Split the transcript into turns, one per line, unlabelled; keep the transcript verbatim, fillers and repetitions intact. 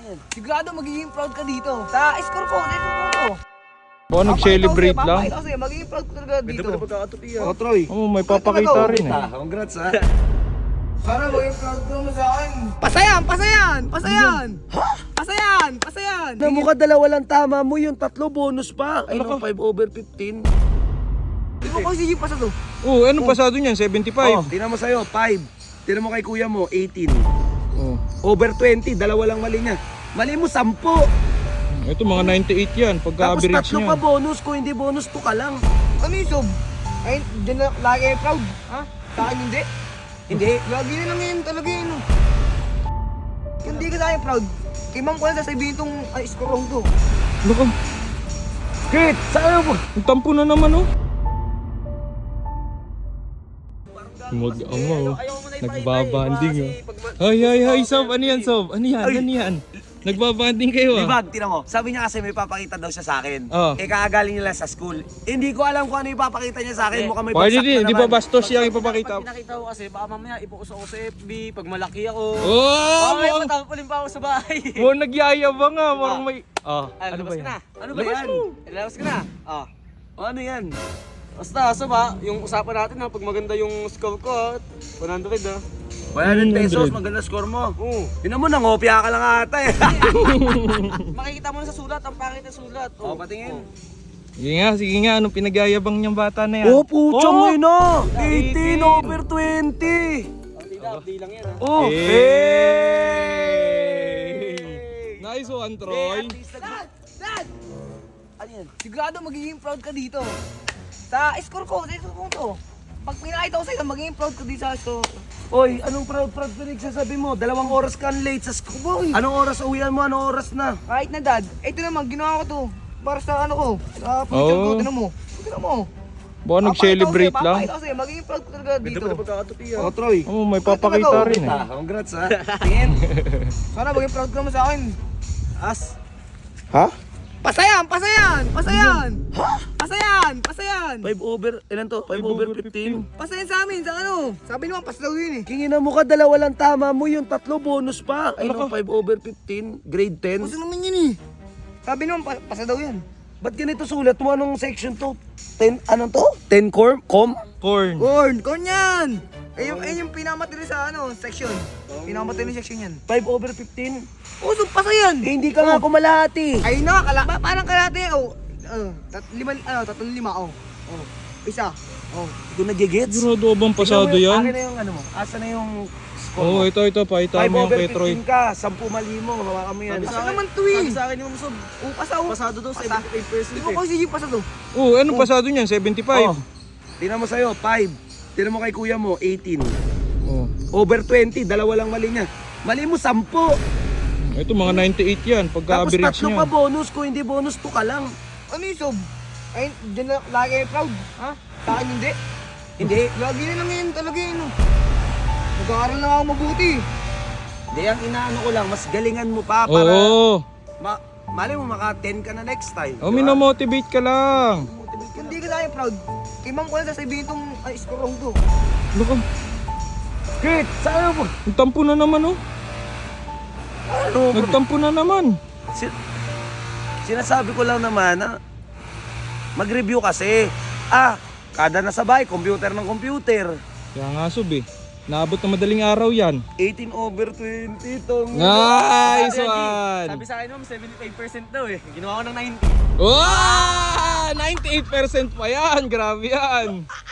yan? Sigurado magiging proud ka dito. Sa score ko, dito ko to.
Baka nag-celebrate lang.
Papakita ko sa'yo, magiging proud ka talaga dito.
Ganda pa na pagkakatupi ah.
Oh, Troy.
Oo, may papakita rin eh.
Congrats ha.
Para maging proud ka mo sa akin. Pasayan, pasayan, pasayan. Ha? Pasayan, pasayan.
Na mukha dalawa lang tama mo yung tatlo bonus pa. Ay no, five over fifteen.
Di mo kasi yung pasa to.
Oo, anong pasado niyan?
Oh,
seventy-five.
tingnan mo sa'yo, five. Tingnan mo kay kuya mo, eighteen.
Oh.
Over twenty, dalawa lang mali niya. Mali mo, sampu.
Ito mga ninety-eight yan,
Tapos
pagka-average
tatlo
niya.
pa bonus, kung hindi bonus, to ka lang.
Ano yung sob? Ay, dyan na lagi ay proud. Ha? Sa akin hindi.
Hindi.
Lagi na lang yun talaga yun. oh. Hindi ka sa akin proud. Kay ma'am ko na sasabihin itong ay, score wrong to.
Ano ka?
Kit, saan mo?
Ang tampo na naman oh. Mag-ama oh. Nagbabanding oh. Ay, ay, ay, Sob. Ano yan, Sob? Ano yan? Ano yan? Nagbabanding kayo ah.
Libag, tinan mo. Sabi niya kasi may papakita daw siya sa akin.
Oh.
Eh, kakagaling niya lang sa school. Hindi ko alam kung ano yung papakita niya sa akin. Mukhang may
Pwede
bagsak
din,
na
di ba
naman.
bastos yung ipapakita?
Pag pinakita ko kasi, baka mamaya ipokus ako sa F B, pag malaki ako.
Oh!
Mamaya
Mukhang,
matapulin pa ako sa bahay.
mukhang nagyayabang nga. Mukhang may... Ah,
Ay,
ano ba
labas ka
yan?
na. Ano ba
Labas
yan?
mo.
Labas ka na. Ah.
O, ano yan?
Basta, so ba, yung usapan natin ha, pag maganda yung score ko ha, one hundred ha.
one hundred pesos,
one hundred.
maganda score mo.
Oo.
Yun mo, nangopya ka lang ata eh.
Makikita mo na sa sulat, ang pangit na sulat.
O, patingin.
Sige nga, sige nga. Anong pinagyayabang niyang bata na yan?
Oh, puchong
Oh!
oh! na! eighteen
eighteen
over twenty!
Ang tila, update lang yan ha.
Oh!
Hey! Nice one, Troy.
Dad! Dad!
Ano yan?
Sigurado magiging proud ka dito. Sa score ko, dito ko to. Pag pinakita ko sa'yo, magiging proud ka dito sa score.
Oy, anong proud-proud ka nagsasabi mo? Dalawang oras ka late sa school.
Boy!
Anong oras uwian mo? Anong oras na?
Kahit na dad, ito naman, ginawa ko to. Para sa ano ko, sa future ko,
Oh.
tinan mo. Tinan mo.
Baka nag-celebrate
Papakita ko sa'yo,
lang.
Papakita ko sa'yo, magiging proud ka talaga
Ganda
dito.
pa na pagkakatupi ha.
Oh, Troy.
Oo, may papakita rin eh.
Ah, congrats ha. Tingin.
Sana maging proud ka naman sa akin.
As.
Ha?
Pasayan! Pasayan! Pasayan! Pasayan! Pasayan!
five over, ilan to? five over fifteen.
Pasayan sa amin, sa ano? Sabi naman, pas daw yun eh.
Kingin na mo ka, dalawa lang tama mo yung tatlo bonus pa. Ay no, five over fifteen, grade ten.
Paso naman yun eh. Sabi naman, pa pasa daw yan.
Ba't ganito sulat mo? Anong section to? ten, anong to? ten core? Com?
Corn.
Corn! Corn yan! Eh yung, eh, yung pinamatili sa ano, section. Pinamatili section yan.
five over fifteen?
Oh, so pasayan!
Eh, hindi ka nga kumalahati.
Ay na, kala, ba, parang kalate. Oh, uh, tat, lima, ano, tatlong lima, oh. Oh, isa. Oh.
Hindi ko nagigets.
Sigurado bang pasado
Tingnan mo yung-
yan?
Akin na yung ano mo. Asa na yung score
Oo,
mo?
ito, ito. Pakita
five
mo yung
over
kay Troy.
fifteen ka, ten mali mo. Hawakan mo yan.
Pasa naman to eh.
Sabi sa akin yung Sob,
Oh, pasa, oh.
pasado daw
Pasa.
seventy-five percent
Di mo
eh.
kasi yung pasa to.
Oo, anong pasado niyan? seventy-five.
Oh, tingnan mo sa'yo, five. Tingnan mo kay kuya mo, eighteen.
Oh.
Over twenty, dalawa lang mali niya. Mali mo, ten.
Ito mga ninety-eight yan,
Tapos
pagka-average
tatlo
niya.
pa bonus, kung hindi bonus, to ka lang.
Ano yung sob? Ay, dyan na lagi ay proud. Ha? Sa akin hindi.
Hindi.
Lagi na lang yun talaga yun. oh. Nag-aaral lang ako mabuti.
Hindi, ang inaano ko lang, mas galingan mo pa para...
Oo.
Ma mali mo, maka ten ka na next time.
Oh,
di ba?
minamotivate ka lang.
Hindi ka sa akin proud. Kay ma'am ko na sasabihin itong ay, score wrong to.
Ano ka?
Kit, saan mo?
Ang tampo na naman oh.
Ano?
Nagtampo na naman.
Sin sinasabi ko lang naman na mag-review kasi. Ah, kada nasa bahay, computer ng computer.
Kaya nga Sob eh. Naabot na madaling araw yan.
eighteen over twenty tong...
Nice
Sabi-
one!
Sabi sa akin naman, seventy-five percent daw eh. Ginawa ko ng ninety.
Wow! ninety-eight percent pa yan! Grabe yan!